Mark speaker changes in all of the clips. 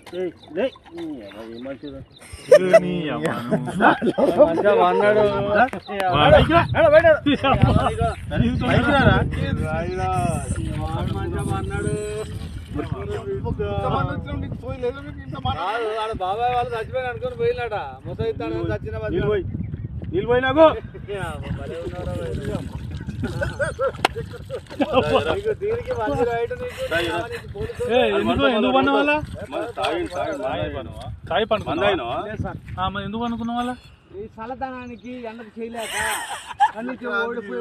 Speaker 1: బాబాయ్ వాళ్ళు చచ్చిపోయి అనుకుని పోయినట ముసైతాను చచ్చిన
Speaker 2: నీళ్ళు పోయి నాకు
Speaker 3: ఎందుకు పన్న వాళ్ళ ఎందుకు అనుకున్న వాళ్ళ
Speaker 1: ఈ చల్లదనానికి ఎండకు చేయలేక కన్నీకి ఓడిపోయి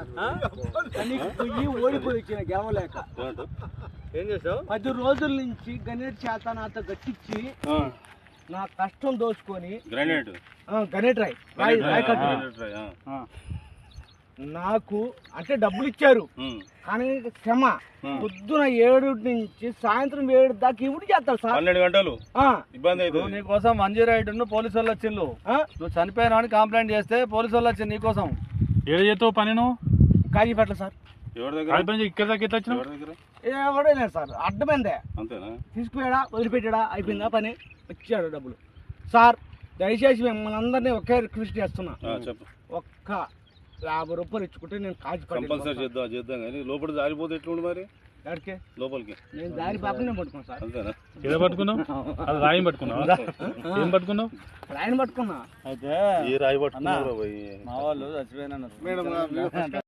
Speaker 1: వచ్చిన గెలవలేక ఏం చేసావు 10 రోజుల నుంచి గణేట్ చేత నాతో గట్టించి నా కష్టం దోచుకొని గణేట్ రాయ్ నాకు అంటే డబ్బులు ఇచ్చారు కానీ క్షమ పొద్దున 7 నుంచి సాయంత్రం 7 దాకా ఇవి చేస్తారు సార్
Speaker 2: 12 గంటలు ఇబ్బంది అవుతుంది
Speaker 3: నీకోసం మంజీరాయుడు పోలీసు వాళ్ళు వచ్చిండు నువ్వు చనిపోయినా అని కంప్లైంట్ చేస్తే పోలీసు వాళ్ళు వచ్చింది నీకోసం ఏడు చేస్తావు పని నువ్వు
Speaker 1: కాజీపేట సార్
Speaker 3: ఇక్కడ దాకా ఎట్లా వచ్చినావు
Speaker 1: ఎవడలేదు సార్ అడ్డమైందే
Speaker 2: అంతేనా
Speaker 1: తీసుకుపోయాడా వదిలిపెట్టాడా అయిపోయిందా పని వచ్చాడు డబ్బులు సార్ దయచేసి మిమ్మల్ని అందరినీ ఒకే రిక్వెస్ట్ చేస్తున్నా ఒక్క 50 రూపాయలు ఇచ్చుకుంటే నేను
Speaker 2: కంపల్సరీ చేద్దాం కానీ లోపల జారిపోతే ఎట్లుండి మరి
Speaker 1: ఎక్కడికి
Speaker 2: లోపలికి
Speaker 1: నేను దారి పాపనే పట్టుకున్నాను సార్
Speaker 2: అంతేనా
Speaker 3: ఏదో పట్టుకున్నావు అది రాయం పట్టుకున్నావు ఏం పట్టుకున్నావు
Speaker 1: రాయని పట్టుకున్నా
Speaker 2: అయితే ఈ రాయి పట్టుకున్నా
Speaker 3: మా వాళ్ళు చచ్చిపోయినా